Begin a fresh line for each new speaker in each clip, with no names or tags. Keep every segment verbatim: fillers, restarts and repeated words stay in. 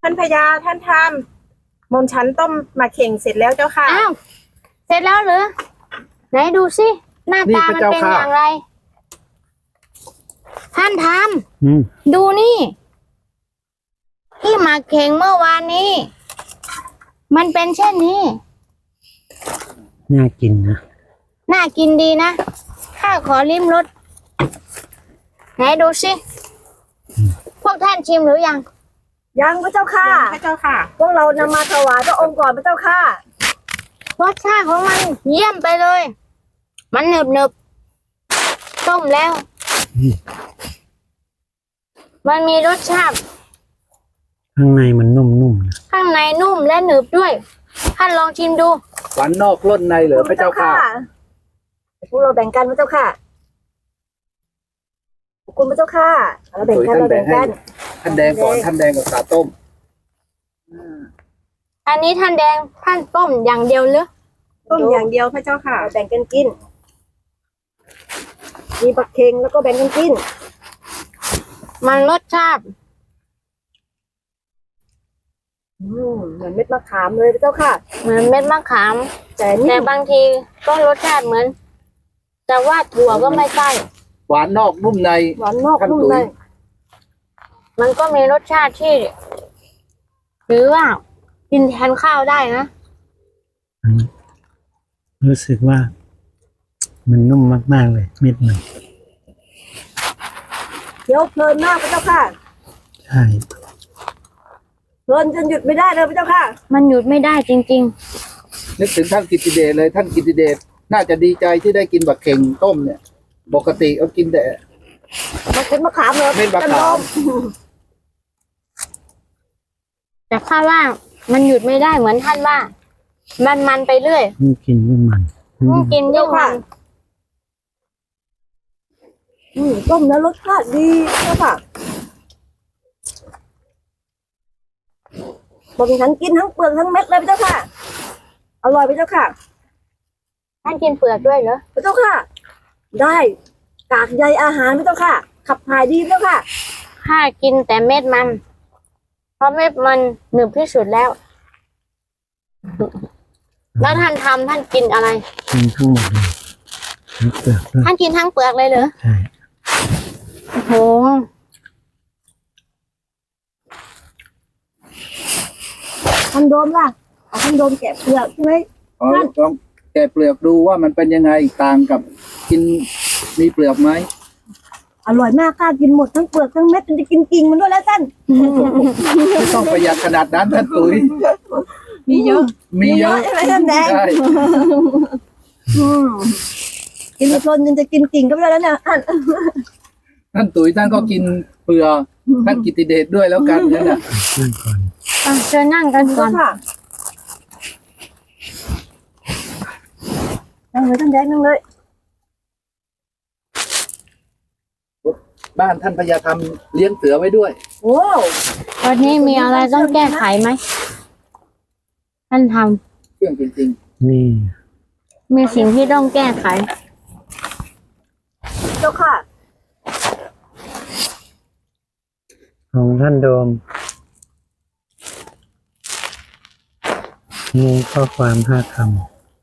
ท่านพญาท่านทำมนชั้นต้มมาเข่งเสร็จแล้วเจ้าค่ะ
อ้าวเสร็จแล้วหรือไหนดูสิหน้าตามันเป็นอย่างไรท่านทำดูนี่ที่หมักเข่งเมื่อวานนี้มันเป็นเช่นนี้
น่ากินนะ
น่ากินดีนะข้าขอลิ้มรสไหนดูสิพวกท่านชิมหรือยัง
ยังพระเจ้าค่ะ
พระเจ้าค่ะ
พวกเรานำมาถวายพระองค์ก่อนพระเจ้าค่ะ
รสชาติของมันเยี่ยมไปเลยมันหนึบหนึบต้มแล้วมันมีรสชาติ
ข้างในมันนุ่มๆนะ
ข้างในนุ่มและหนึบด้วยท่านลองชิมดู
หวานนอกล้นในเหรอพระเจ้าค่ะ
พวกเราแบ่งกันพระเจ้าค่ะขอบคุณพระเจ้าค่ะเราแบ่งกันเราแบ่งกัน
ท่านแดงก่อนท่านแดงกับสาต้ม
อันนี้ท่านแดงท่านต้มอย่างเดียวหรือ
ต้มอย่างเดียวพระเจ้าค่ะ
แบ่งกันกินมีบักเค็งแล้วก็แบ่งกันกิน
มันรสชาติ
เหมือนเม็ดมะขามเลยพระเจ้าค่ะ
เหมือนเม็ดมะขามแต่แต่บางทีก็รสชาติเหมือนแต่ว่าถั่วก็ไม่ใช่
หวานนอกนุ่มใน
หวานนอกนุ่มใน
มันก็มีรสชาติที่หรือว่ากินแทนข้าวได้นะ
รู้สึกว่ามันนุ่มมากๆเลยเม็ดมัน
เคี้ยวเพลินมากพระเจ้าค่ะ
ใช่
เพลินจนหยุดไม่ได้เลยพระเจ้าค่ะ
มันหยุดไม่ได้จริง
ๆนึกถึงท่านกิตติเดชเลยท่านกิตติเดชน่าจะดีใจที่ได้กินบักเข่งต้มเนี่ยปกติเขากินแต่
มากินมะขามเลย
เม็ดมะขาม
แต่ข้าว่ามันหยุดไม่ได้เหมือนท่านว่ามันมันไปเรื่อย
ยิ่งกินยิ่งมัน
ยิ่งกินยิ่งมัน
ต้มแล้วรสชาติดีเจ้าค่ะบอกฉันกินทั้งเปลือกทั้งเม็ดเลยพระเจ้าค่ะอร่อยพระเจ้าค่ะ
ท่านกินเปลือกด้วยเหรอ
พระเจ้าค่ะได้กากใยอาหารพระเจ้าค่ะขับถ่ายดีพระเจ้าค่ะ
ข้ากินแต่เม็ดมันเพราะเม็ดมันหนึบที่สุดแล้วแล้วท่านทำท่านกินอะไร
กินทั้งหมดเลยทั้งเปลือกด้วย
ท่านกินทั้งเปลือกเลยเหรอ
ใช่
โอ้โห
ท่านโดมล่ะเอาท่านโดมแกะเปลือกใช่ไหม
อ๋อลองแกะเปลือกดูว่ามันเป็นยังไงต่างกับกินมีเปลือกไหม
อร่อยมากค่ะกินหมดทั้งเปลือกทั้งเม็ดมันจะกินกิ่งมันด้วยแล้วท่าน
ไม่ต้องประหยัดขนาดนั้นท่านตุ๋ย
มีเยอะ
มีเยอะ
ใช่ไหมท่านแดงกินเพลินจนจะกินกิ่งก็ไม่ได้แล้วเนี่ยท่าน
ท่านตุ๋ยท่านก็กินเปลือกท่านกิตติเดชด้วยแล้วกันนั่นแหละ
นั่งก่อน
เชิญนั่งกันก่อน
นั่งเลยท่านแดงนั่งเลย
บ้านท่านพญาธรรมเลี้ยงเสือไว้ด้วย
โอ้
วันนี้มีอะไรต้องแก้ไขไหมท่านท
ำเรื่องจริง
ๆนี่
มีสิ่งที่ต้องแก้ไข
เจ้าค่ะ
ของท่านโดมมีข้อความห้าคำ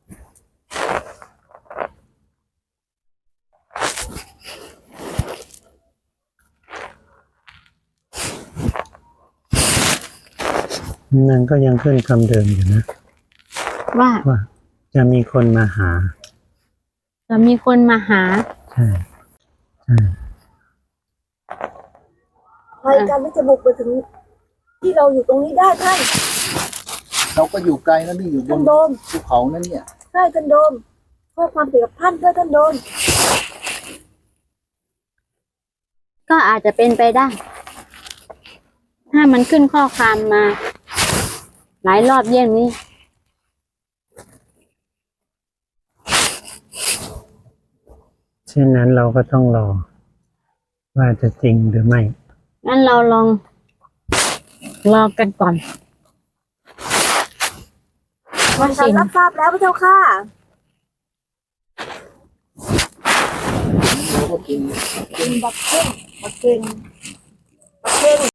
นั่นก็ยังขึ้นคำเดิมอยู่นะ
ว่า
ว่าจะมีคนมาหา
จะมีคนมาหา
ใช่ใช่
ใครกันที่จะบุกไปถึงที่เราอยู่ตรงนี้ได้ท่าน
เราก็อยู่ไกลนะนี่อยู่บนภูเขานั่นเนี่ย
ใช่ท่านโดมเพื่อความเกี่ยวกับท่านเพื่อท่านโดม
ก็อาจจะเป็นไปได้ถ้ามันขึ้นข้อความมาหลายรอบเยี่ยงนี้
เช่นนั้นเราก็ต้องรอว่าจะจริงหรือไม่
งั้นเราลองรอกันก่อน
ว่าฉันรับทราบแล้วพระเจ้าค่ะกินบักเก้งบักเก้งบักเก้ง